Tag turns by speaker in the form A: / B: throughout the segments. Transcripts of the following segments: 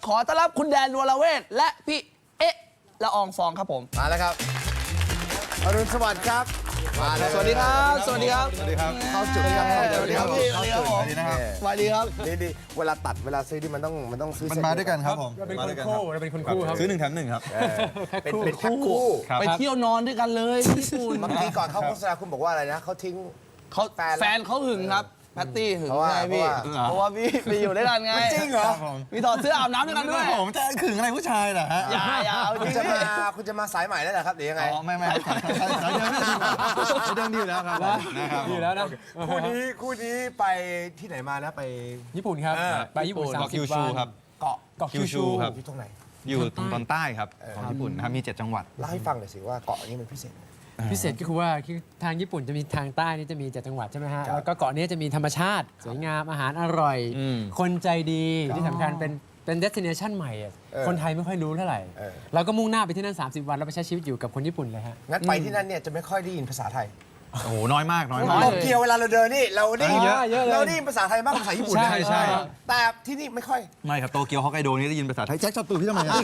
A: ขอต้อนรับคุณแดนวรเวทและพี่เอ๊ะละอองฟองครับผม
B: มาแล้วครับอรุณสวัสดิ์ครับมาเลย
A: สวัสดีครับสวัสดีครับ
C: สวัสดีครับ
B: เข้าจุดครับ
A: สวัสดีครับพี่สวัสดีครับผม
C: สวัสดีนะครับ
A: สวัสดีครับ
B: ดีเวลาตัดเวลาซื้อที่มันต้องซื้อ
C: มันมาด้วยกันครับผม
D: เราเป็น
C: มา
D: คน
C: ด้วยกัน
D: คู่เราเป็นคนคู่ครับ
C: ซื้อ1 แถม 1ครับ
B: เป็นแพ็คคู่
C: ครับ
A: ไปเที่ยวนอนด้วยกันเลยญี่ปุ่น
B: เมื่อกี้ก่อนเข้าโฆษณาคุณบอกว่าอะไรนะเขาทิ้ง
A: เขา
B: แฟน
A: แฟนเขาหึงครับแพตตี้หึง
B: เพราะว่า
A: ไงพี่
B: เพราะว่า
A: เพราะว่าพี่ไปอยู่ด้วยกันไง
B: จริงเหรอ
C: ครับผม
A: มีถอดเสื้ออาบน้ำด้วยกันด้วย
C: ผมจะขึงอะไรผู้ชายเหรอฮะ
A: อย่าเอาจ
B: คุ
A: ริ
B: ณ
A: ง
B: จะ
A: พี่
B: มาคุณจะมาสายใหม่แล้วเหรอครับหรือยังไง
C: อ๋อไม่สายเดิมดีอยู่แล้วครับนะครับ
D: อยู่แล้วนะ
B: คู่นี้ไปที่ไหนมานะไป
D: ญี่ปุ่นครับ ไปญี่ปุ่น
C: เกาะคิว
D: 30
C: ชู
D: วัน
C: ครับ
B: เกาะ
D: เกาะคิ
C: คิ
D: ว
C: วชู
D: ชู
C: ครับ
B: อยู่ตรงไหน
C: อยู่ตอนใต้ครับของญี่ปุ่นนะครับมี7 จังหวัด
B: เล่าให้ฟังหน่อยสิว่าเกาะนี้มันพิเศษ
D: พิเศษก็คือว่าทางญี่ปุ่นจะมีทางใต้นี่จะมี7 จังหวัดใช่ไหมฮะ
B: ครับ
D: แล้วก็เกาะนี้จะมีธรรมชาติ สวยงามอาหารอร่อย คนใจดีที่สำคัญเป็นเดสติเนชันใหม่อะคนไทยไม่ค่อยรู้เท่าไหร่ เราก็มุ่งหน้าไปที่นั่น 30 วันแล้วไปใช้ชีวิตอยู่กับคนญี่ปุ่นเลยฮะ
B: งั้นไปที่นั่นเนี่ยจะไม่ค่อยได้ยินภาษาไทย
C: โอ้โหน้อยมาก
A: น้อย
B: โต
A: เลย
B: เกียวเวลาเราเดินนี่เราได้ยิน
D: เยอะเลย
B: เราได้ยินภาษาไทยมากกว่าภาษาญี่ปุ่นนะ
C: ใช่
B: แต่ที่นี่ไม่ค่อย
C: ไม่ครับโตเกียวฮอกไกโดนี่ได้ยินภาษาไทยแจ็คชอบตูพี่ทำไมอะ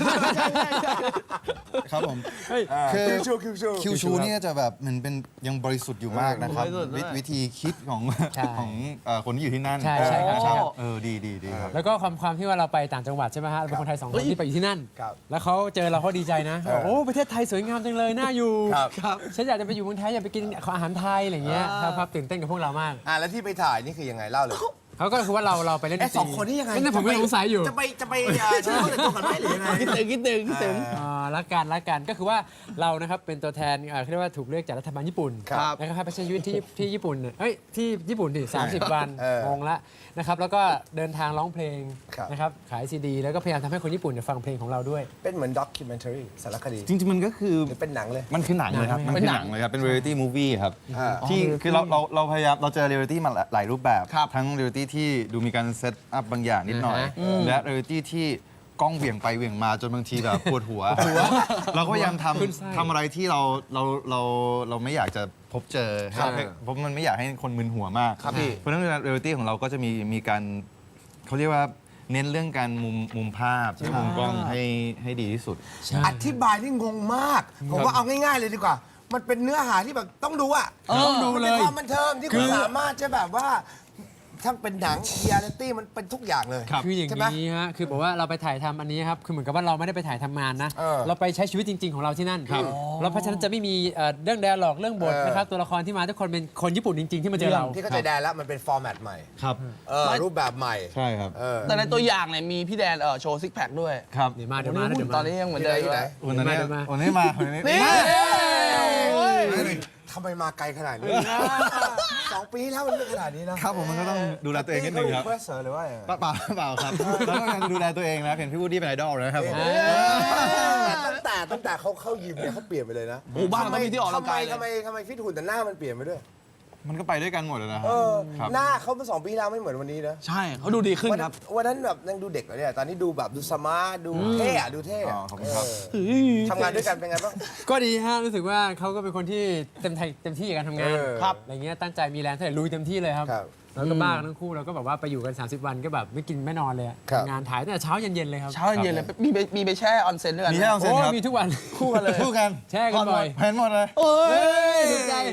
C: ครับผมคือ คิวชูนี่จะแบบมันเป็นยังบริสุทธิ์อยู่มากนะครับ
A: บริสุทธิ์มาก
C: วิธีคิดของ
D: ใช่
C: ของคนที่อยู่ที่นั่น
D: ใช่ใช่ครับ
C: นะ
D: ใช่ครับ
C: ดีครับ
D: แล้วก็ความที่ว่าเราไปต่างจังหวัดใช่ไหมฮะเราเป็นคนไทย2 คนที่ไปอยู่ที่นั่น
B: ครับ
D: แล้วเขาเจอเราเขาดีใจนะบอกโอ้ประเทศไทยสวยงามจังเลยน่าอยู่
B: ครับ
D: ฉันอยากจะไปอยู่เมืองไทยอยากไปกินอาหารไทยอะไรเงี้ยครับตื่นเต้นกับพวกเรามาก
B: แล้วที่ไปถ่ายนี่คือยังไงเล่าเลย
D: เขาก็คือว่าเราไปเล่นดนตรี
B: สองคนนี่ยังไง
D: นั่นผมก็สงสัยอยู่
B: จะไปช่วยเขาแต่งตัวกันไหมหรือยังไง
A: คิดถึง
D: รักกันก็คือว่าเรานะครับเป็นตัวแทนเขาเรียกว่าถูกเลือกจากรัฐบาลญี่ปุ่น
B: ครับ
D: นะครับไปใช้ชีวิตที่ญี่ปุ่นเนี่ยที่ญี่ปุ่นดิ30 วัน
B: เออ
D: งงละนะครับแล้วก็เดินทางร้องเพลง
B: ครับ
D: นะครับขายซีดีแล้วก็พยายามทำให้คนญี่ปุ่นเนี่ยฟังเพลงของเราด้วย
B: เป็นเหมือนด็อกิเมนทารีสารคดี
C: จริงๆ มันก็คือ
B: หรือเป็นหนังเลย
C: มันคือหนังเลยครับ
D: หนัง
C: มันคือหนังเลยครับ เป็น reality movie ครับ
B: อ่า
C: ที่คือเราพยายามเราเจอ reality มาหลายรูปแบบ
A: ครับ
C: ทั้ง reality ที่ดูมีการเซตอัพบางอย่างนิดหน่อย และ reality ที่กล้องเหวี่ยงไปเหวี่ยงมาจนบางทีแบบปวดหัว เราก็พยายาม
D: ขึ้นไส้
C: ทำอะไรที่เราไม่อยากจะพบเจอ
B: ครับ
C: เพราะมันไม่อยากให้คนมึนหัวมาก
B: ครับพี่
C: เพราะฉะนั้น reality ของเราก็จะมีการเขาเรียกว่าเน้นเรื่องการมุมภาพมุมกล้องให้ดีที่สุด
B: อธิบายนี่งงมาก ผมว่าเอาง่ายๆเลยดีกว่า มันเป็นเนื้อหาที่แบบต้องดูอ่ะ
D: ต้องดู
B: มัน
D: เล
B: เป็น
D: ย
B: ความบันเทิงที่คุณสามารถจะแบบว่าทั้งเป็นหนังเรียลิตี้มันเป็นทุกอย่างเลย
D: คืออย่าง
B: ใช่ไหม
D: นี้ฮะคือบอกว่าเราไปถ่ายทำอันนี้ครับคือเหมือนกับว่าเราไม่ได้ไปถ่ายทำงานนะ
B: เออ
D: เราไปใช้ชีวิตจริง ๆ ของเราที่นั่นแล้วเพราะฉะนั้นจะไม่มีเรื่องแดร์ล็อกเรื่องบทนะครับตัวละครที่มาทุกคนเป็นคนญี่ปุ่นจริง ๆ ที่มาเจอเรา
B: ที่เข้าใจได้แล้วมันเป็นฟอร์แมตใหม่
C: ครับ
B: รูปแบบใหม่
C: ใช่ครับ
A: แต่ในตัวอย่างเนี่ยมีพี่แดนโชว์ซิกแพคด้วย
C: ครับ
D: เดี๋ยวมาเดี๋ยวมาเดี๋ยว
A: ตอ
D: มาน
A: นี้ยังเหมือนเดิม
B: ที่ไหน
C: วันนี้
D: เดี๋ยวมา
C: วันนี้มาวันนี้
A: นี่
C: มา
B: ทำไมมาไกลขนาดนี้ 2 ปีแล้วมันไม่ขนาดนี้นะครับ
C: ผมมันก็ต้องดูแลตัวเองนิดนึงครับ
B: เพื่อเสริมหรือว่า
C: เปล่าครับแล้วก็ยังดูแลตัวเองนะเห็นพี่วูดดี้เป็นไอดอลนะครับผม
B: ตั้งแต่เขาเข้ายิมเนี่ยเขาเปลี่ยนไปเลยนะ
A: โอ้บ้านมันมีที่ออกกำลังกายเลย
B: ทำไมฟิตหุ่นแต่หน้ามันเปลี่ยนไปด้วย
C: มันก็ไปด้วยกันหมดเลยนะครับครับ
B: หน้าเขาเมื่อ2 ปีแล้วไม่เหมือนวันนี้นะ
A: ใช่เขาดูดีขึ้นครับ
B: วันนั้นแบบยังดูเด็กเลยเนี่ยตอนนี้ดูแบบดูสมาร์ทดูเท่อะดูเท่
C: อ๋อ
B: อะ
C: ขอบคุณครับ
B: ทำงานด้วยกันเป็นไงบ้าง
D: ก็ดีฮะรู้สึกว่าเขาก็เป็นคนที่เต็มที่กับการทำงาน
B: ครับ
D: อะไรเงี้ยตั้งใจมีแรงเท่าไหร่ลุยเต็มที่เลยครับ
B: ครับ
D: แล้วก็บ้ากันทั้งคู่เราก็แบบว่าไปอยู่กัน 30 วันก็แบบไม่กินไม่นอนเลยอะ
B: ครับ
D: ทำงานถ่ายตั้งแต่เช้าเย็นๆเลยครับ
A: เช้าเย็นเลยมีไปแช่ออนเซ็นด้วยกัน
C: มีแค่ออนเซ็น
D: โอ้
C: ครับ
D: มีทุกวัน
A: คู่กันเลย
C: คู่กัน
D: แช่กันบ่อย
C: เห็นหมดเลย
A: โอ้ย
D: ถูกใจ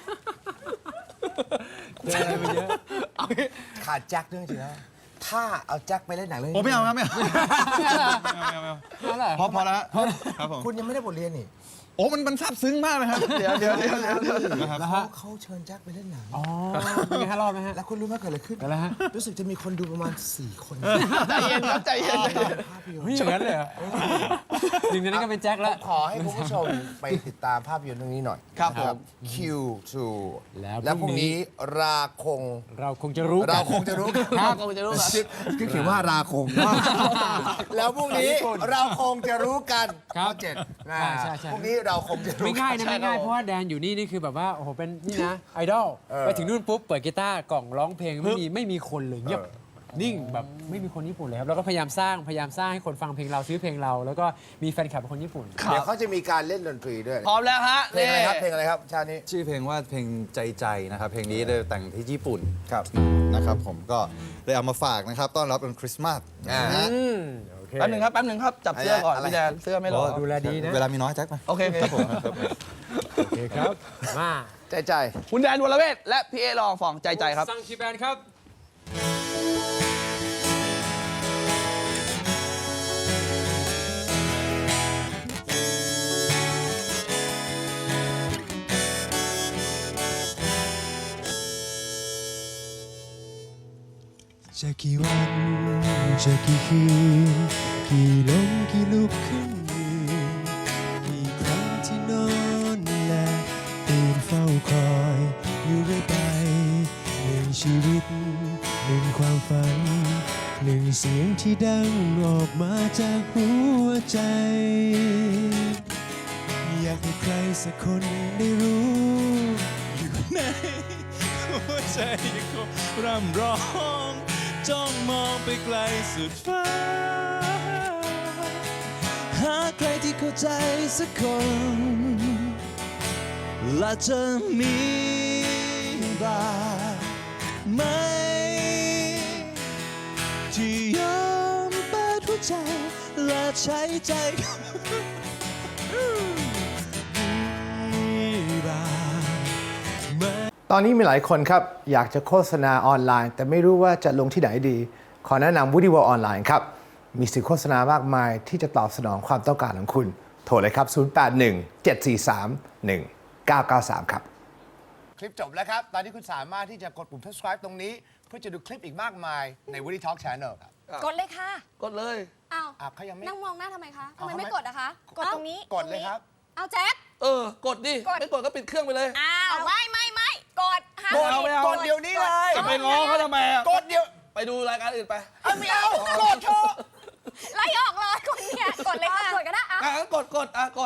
D: เจออะไรมาเยอะ
B: ขาดแจ็คด้วยจริงๆนะถ้าเอาแจ็คไปเล่นหนังเรื่อง
C: โอ้ไม่เอาครับไม่เอา
D: นั่นแหละ
C: พอแล้วครับผม
B: คุณยังไม่ได้บทเรียนนี่
C: โอ้มันซาบซึ้งมากเลยครับ
A: เดี๋ยว
C: นะครับ
D: แล้วฮะ
B: เขาเชิญแจ็คไปเล่นหนัง
D: อ๋อมีแค่รอบไหมฮะ
B: แล้วคุณรู้ไหมเกิดอะไรขึ้น
D: แล้วฮะ
B: รู้สึกจะมีคนดูประมาณ4 คน
A: ใจเย็นครับใจเย็น
B: ภาพยนต
D: เฮ้ย
B: ร์
D: อย่างนั้นเลยเหรอหนึ่งในนั้นก็เป็นแจ็คแล้ว
B: ขอให้คุณผู้ชมไปติดตามภาพยนตร์เรื่องนี้หน่อย
A: ครับผม
B: Q2
D: แล้ว
B: แล้วพรุ่งนี้ราคง
D: เราคงจะรู้กัน
B: เราคงจะรู้กัน
A: ครับคงจะรู้ครับ
B: คือเขียนว่าราคง แล้วพรุ่งนี้เราคงจะรู้กัน
D: ครับ
B: ข้อ7นะ
D: ใช่
B: พรุ่งนี้เราคงจะรู้
D: ไม่ง่ายนะ
A: ใช่
D: ไม่ง่าย
A: ครับ
D: เพราะว่าแดนอยู่นี่คือแบบว่าโอ้โหเป็นนี่นะไอดอล
B: เออ
D: ไปถึงนู่นปุ๊บเปิดกีตาร์กล่องร้องเพลงไม่มีคนเลยเงียบนิ่งแบบไม่มีคนญี่ปุ่นเลยครับแล้วก็พยายามสร้างให้คนฟังเพลงเราซื้อเพลงเรา แล้วก็มีแฟนคลับเป็นคนญี่ปุ่น
B: เดี๋ยวเขาจะมีการเล่นดนตรีด้วย
A: พร้อมแล้วฮะ
B: เพลงอะไรครับเพลงอะไรครับชาตินี้
C: ชื่อเพลงว่าเพลงใจนะครับเพลงนี้เลยแต่งที่ญี่ปุ่น
B: ครับ
C: นะครับผมก็เลยเอามาฝากนะครับต้อนรับวันคริสต์มาสนะฮะ
D: โอเค
A: แป๊บหนึ่งครับจับเสื้อก่อนพี่แดนเสื้อไม่หล่อ
D: ดูแลดีนะ
C: เวลามีน้อยแจ็คมา
A: โอเค
C: ครับผม
D: โอเคครับมา
B: ใจ
A: คุณแดนวรเวทและพี่เอลองฟองใจครับ
D: ซังคีแบนครับ
E: จะกี่วันจะกี่คืนกี่ลมกี่ลุกขึ้นยืนกี่ครั้งที่นอนและตื่นเฝ้าคอยอยู่เรื่อยไปหนึ่งชีวิตหนึ่งความฝันหนึ่งเสียงที่ดังออกมาจากหัวใจ อยากให้ใครสักคนได้รู้อยู่ในหัวใจยังคงร่ำร้องจ้องมองไปไกลสุดฟ้าหาใครที่เข้าใจสักคนและจะมีบ้างไหมที่ยอมเปิดหัวใจและใช้ใจมีบ้างไหม
B: ตอนนี้มีหลายคนครับ อยากจะโฆษณาออนไลน์ แต่ไม่รู้ว่าจะลงที่ไหนดี ขอแนะนำ Woody World ออนไลน์ครับ มีสื่อโฆษณามากมายที่จะตอบสนองความต้องการของคุณ โทรเลยครับ 081-743-1993 ครับ คลิปจบแล้วครับ ตอนนี้คุณสามารถที่จะกดปุ่ม subscribe ตรงนี้ เพื่อจะดูคลิปอีกมากมายใน Woody Talk Channel ครับ
F: กดเลยค่ะ
A: กดเลย
F: อ้าว
B: เขายังไม่
F: นั่งมองหน้าทำไมคะทำ
B: เอา
F: ไม
B: ทำไม
F: ไม่กดอะคะ กดตรงนี้
B: กดเลยครับ
F: เอาแจ็ค
A: กดดิ
F: กด
A: ไม่กดก็ปิดเครื่องไปเลย
F: อ้าวไม่กดห้าม
A: กดเอาไม่เอา
B: กดเดี๋ยวนี้เลย
A: จะไปง้อเขาทำไมอะ
B: กดเดี๋ยว
A: ไปดูรายการอื่นไป
B: ไม่เอา กดเถอะ
F: ไล่ออกเลยคนเนี่ยกดเลยค่ะ กดก็ได้
A: กด